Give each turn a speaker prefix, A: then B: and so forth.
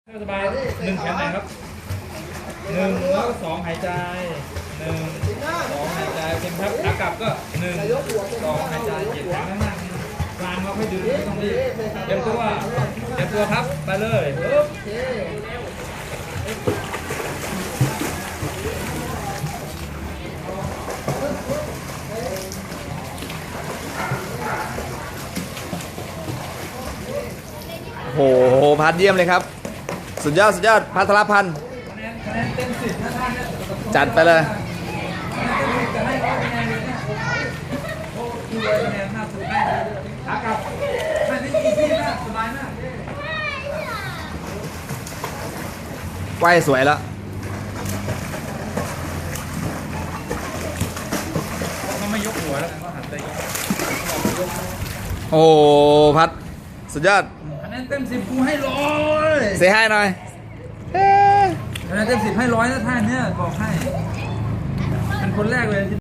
A: สบายหนึ่งแขนไหนครับหนึ่งแล้วก็สองหายใจหนึ่งสองหายใจเป็นครับขากลับก็หนึ่งสองหายใจเหยียดแขนข้างหน้ากลางเราค่อยดึงไม่ต้องรีบเตรียมตัวครับไปเลยปึ๊บ
B: โอ้โหพัดเยี่ยมเลยครับสุดยอดพัทรพันธ์
A: คะแนนเต็ม10นะท่านเนี่ย
B: จัดไปเลย
A: จะให้ร้อยคะแนนเลยเนี่ยโอ้ดูเลยคะแนนน่าสุดให้ขากลับไม่ได้อีซี่มากสบายมาก
B: ว่ายสวยแล้ว
A: เขาไม่ยกหัวแล้วเขาหันไป
B: โอ้พัดสุดยอด
A: คะแนนเต็ม10กูให้100
B: เซให้หน่อย
A: คะแนนเต็ม10ให้100นะท่านเนี่ยบอกให้เป็นคนแรกเลย